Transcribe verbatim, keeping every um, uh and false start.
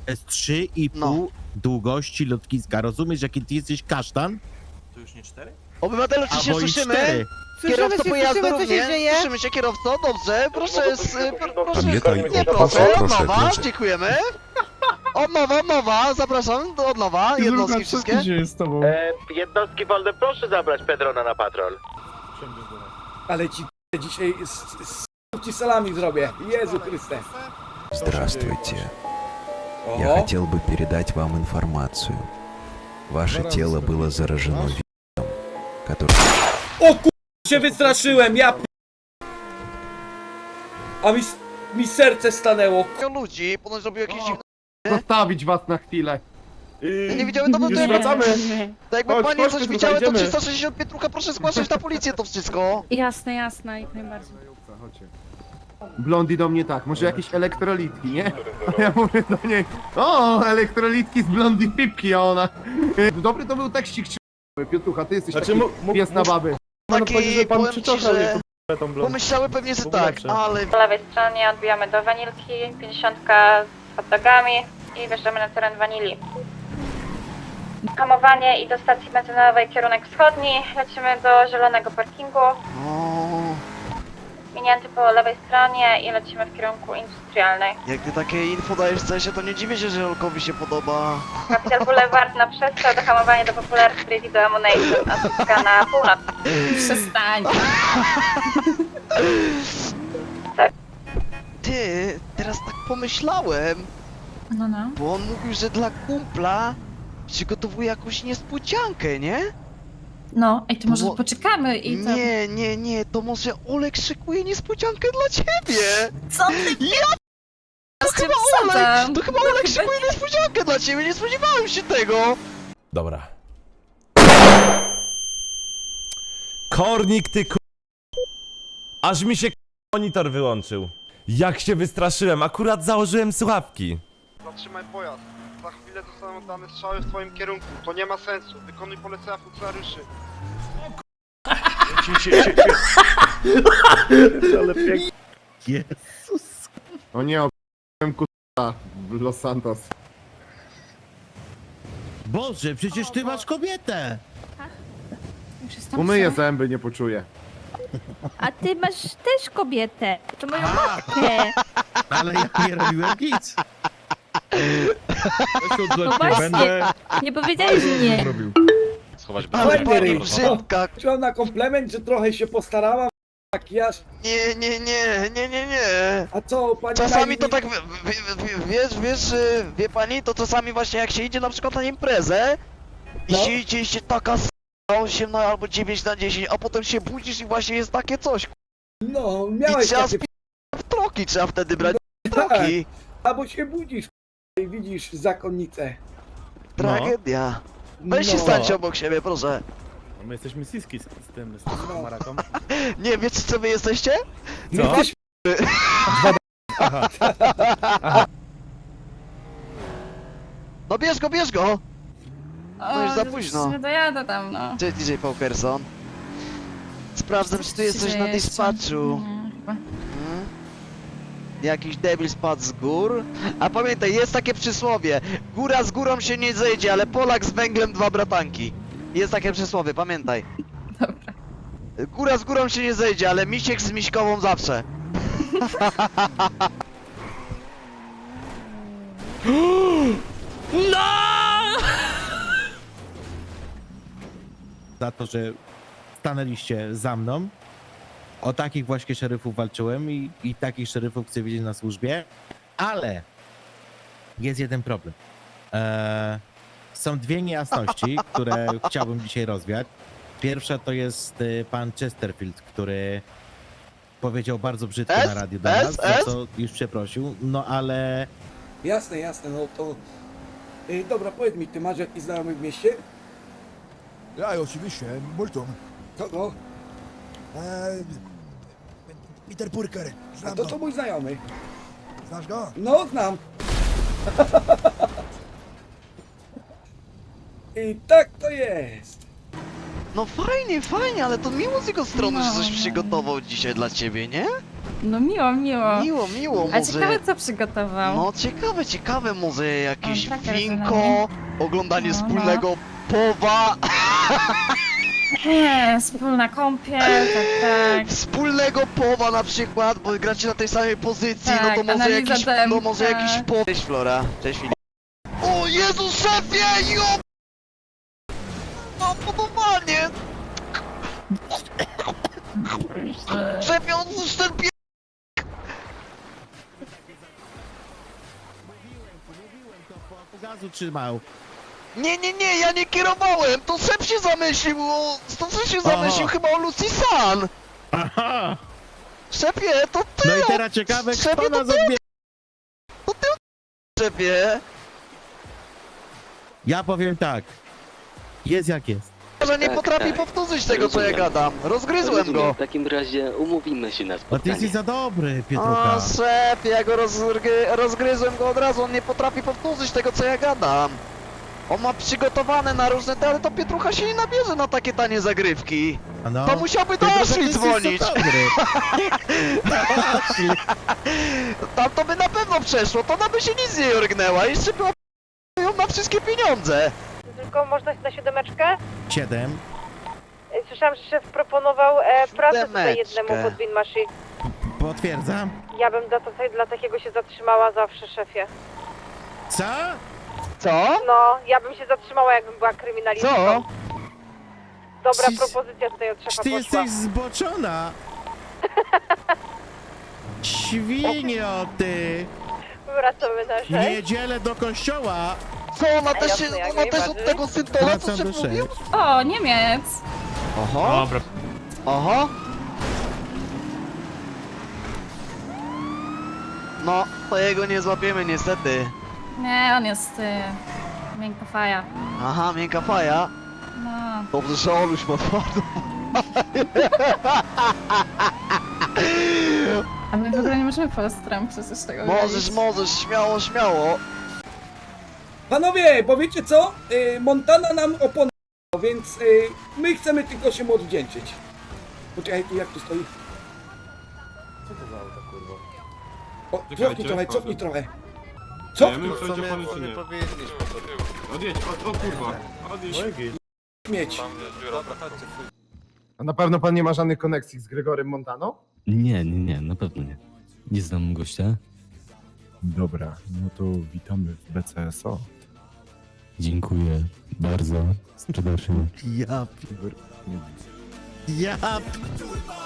To jest trzy i pół No. długości lotniska. Rozumiesz, jaki ty jesteś kasztan? To już nie cztery? Obywatelu, czy się Albo i słyszymy? cztery. Kierowco pojazdu słyszymy, co się również? dzieje? Słyszymy się, kierowco, dobrze, proszę, z, pr- proszę, Pamiętaj, nie od proszę, proszę, od proszę, nowa, proszę. dziękujemy. Od nowa, od nowa, zapraszam, do- od nowa, jednostki wszystkie. E, jednostki wolne, proszę zabrać Pedrona na patrol. Ale ci dzisiaj z, z, ci salami zrobię. Jezu Chryste. Здравствуйте. Я Oho. хотел бы передать вам информацию. Ваше тело было заражено вирусом, который... O kur... się wystraszyłem, ja p... A mi, s- mi serce stanęło. Ludzi, ponoć robił jakieś dziwne... Zostawić was na chwilę. Ja nie widziałem, no to Już to wracamy. tak jakby Chodź, panie chodź, coś tu widziały, to zajdziemy. trzysta sześćdziesiąt pięć trucha, proszę zgłaszać na policję to wszystko. Jasne, jasne, jak najbardziej. Chodźcie. Blondi do mnie tak, może jakieś elektrolitki, nie? A ja mówię do niej, o, elektrolitki z Blondi pipki, a ona... Dobry to był tekścik, czy... Piotrucha, ty jesteś Znaczy, taki mógł- mógł- pies na baby. Taki, powiem ci, że... tą Pomyślały pewnie, że tak, ale... Po lewej stronie odbijamy do Wanilki, pięćdziesiątka z hot dogami i wjeżdżamy na teren Wanili. Hamowanie i do stacji benzynowej kierunek wschodni, lecimy do zielonego parkingu, O, minięty po lewej stronie i lecimy w kierunku industrialnej. jak ty takie info dajesz w sensie, to nie dziwię się, że Olkowi się podoba. Capital Boulevard na przestrzał, do hamowania do Popular Street do Ammunition, a Suska na północ. Przestań. Ty, teraz tak pomyślałem, No, no. bo on mówił, że dla kumpla przygotowuje jakąś niespodziankę, nie? No, ej, to może Bo- poczekamy i to... Nie, nie, nie, to może Olek szykuje niespodziankę dla ciebie! Co ty? Ja To chyba Olek, to chyba Olek szykuje niespodziankę dla ciebie, nie spodziewałem się tego! Dobra. Kornik, ty ku... Aż mi się k- monitor wyłączył. Jak się wystraszyłem, akurat założyłem słuchawki. Zatrzymaj pojazd. Za chwilę zostaną dane strzały w twoim kierunku. To nie ma sensu. Wykonuj polecenia funkcjonariuszy. Jezus. O nie, o***łem kuta w Los Santos. Boże, przecież ty masz kobietę. Umyję zęby, nie poczuję. A ty masz też kobietę. To moją matkę. Ale ja nie robiłem nic. No właśnie. Nie powiedziałeś nie. Schować Ale Fajny pani ryj. brzydka! Chciałem na komplement, że trochę się postarałam. Makijaż. Nie, nie, nie, nie, nie, nie! A co, pani... Czasami Najwi- to tak, w- w- w- wiesz, wiesz, y, wie pani, to czasami właśnie jak się idzie na przykład na imprezę i No. się idzie i się taka s*** osiem na albo dziewięć na dziesięć, a potem się budzisz i właśnie jest takie coś, k***. No, I miałeś trzeba takie... sp... w troki trzeba wtedy brać, tak. troki. Albo się budzisz i widzisz zakonnicę. Tragedia. Weź się No. stańcie obok siebie, proszę. My jesteśmy siski z, z tym, z No. maraką. Nie, wiecie co wy jesteście? My jesteśmy... No bierz go, bierz go! No już za późno. Nie dojadę tam, no. Cześć D J Paukerson. Sprawdzam, czy tu jest coś na dispatchu. Hmm? Jakiś debil spadł z gór? A pamiętaj, jest takie przysłowie. Góra z górą się nie zejdzie, ale Polak z węglem dwa bratanki. Jest takie przysłowie, pamiętaj. Dobra. Góra z górą się nie zejdzie, ale misiek z miśkową zawsze. Za to, że stanęliście za mną. O takich właśnie szeryfów walczyłem i, i takich szeryfów chcę widzieć na służbie. Ale jest jeden problem. Eee, są dwie niejasności, które chciałbym dzisiaj rozwiać. Pierwsza to jest y, pan Chesterfield, który powiedział bardzo brzydko S, na radiu do S, nas, za S. co już przeprosił. No ale Jasne, jasne, no to... Ej, dobra, powiedz mi, ty masz jakiś znajomy w mieście? Ja, oczywiście. Multum. Kogo? Eee, Peter Purker. A to to mój znajomy. Znasz go? No, znam. I tak to jest. No fajnie, fajnie, ale to miło z jego strony, że coś No. przygotował dzisiaj dla ciebie, nie? No miło, miło. Miło, miło, A może... ciekawe co przygotował. No ciekawe, ciekawe, może jakieś O, tak, winko, rozumiem. oglądanie No, no. wspólnego powa, Nie, wspólna kąpiel, tak, tak. wspólnego powa na przykład, bo gracie na tej samej pozycji, Tak, no to może analiza jakiś, no tempa. może jakiś po... Cześć Flora, cześć Filip. O Jezu, szefie, jo! Mam podobanie! Szefie, odłóż ten pie... Gazu trzymał. Nie, nie, nie, ja nie kierowałem, to szef się zamyślił, o... to szef się zamyślił chyba o Lucy San. Aha! Szefie, to ty! No i o- teraz ciekawe, szefie, kto to nas ty, odbierze. to ty, szefie. Ja powiem tak. Jest jak jest. Że nie Tak, potrafi tak. powtórzyć tego, co ja Rozumiem. gadam. Rozgryzłem Rozumiem, go. w takim razie umówimy się na Bo ty spotkanie. jesteś za dobry, Pietrucha. O, szefie, ja go rozgry... rozgryzłem go od razu, on nie potrafi powtórzyć tego, co ja gadam. On ma przygotowane na różne te, ale to Pietrucha się nie nabierze na takie tanie zagrywki. A no. To musiałby do Pietrucha, ty Ashley jesteś dzwonić. za dobry. Tam to by na pewno przeszło, to ona by się nic nie orgnęła. Jeszcze była ją na wszystkie pieniądze. Tylko można na siódemeczkę? Siedem. Słyszałam, że szef proponował e, pracę tutaj Siódemeczkę. jednemu pod Winmashi. Potwierdzam. Ja bym dla, to, dla takiego się zatrzymała zawsze, szefie. Co? Co? No, ja bym się zatrzymała, jakbym była kryminalistką. Co? Dobra Czy- propozycja tutaj od Czy szefa ty poszła. jesteś zboczona? Świnio, ty! Wracamy na W sześć. niedzielę do kościoła! Co? Ona też, się, jasne, jak ona też od najbardziej. tego syntola, co Wracam się do mówił? sześć. O, Niemiec. Oho. Dobra. Oho. No, to jego nie złapiemy niestety. Nie, on jest y, miękka faja. Aha, miękka faja. No. Dobrze, że Oluś ma twardą. A my w ogóle nie możemy postram przecież tego Możesz, robić. możesz, śmiało, śmiało. Panowie, bo wiecie co? Y, Montana nam oponowała, więc y, my chcemy tylko się mu odwdzięczyć. Poczekaj, tu jak tu stoi? Co to za auto, kurwa? O, cofnij trochę, cofnij trochę. Cofnij, Odjedź, o, o kurwa. Odjedź. mieć. A na pewno pan nie ma żadnych koneksji z Gregorem Montano? Nie, nie, nie, na pewno nie. Nie znam gościa. Dobra, no to witamy w B C S O. Dziękuję bardzo serdecznie. Ja... pi- Ja... pi-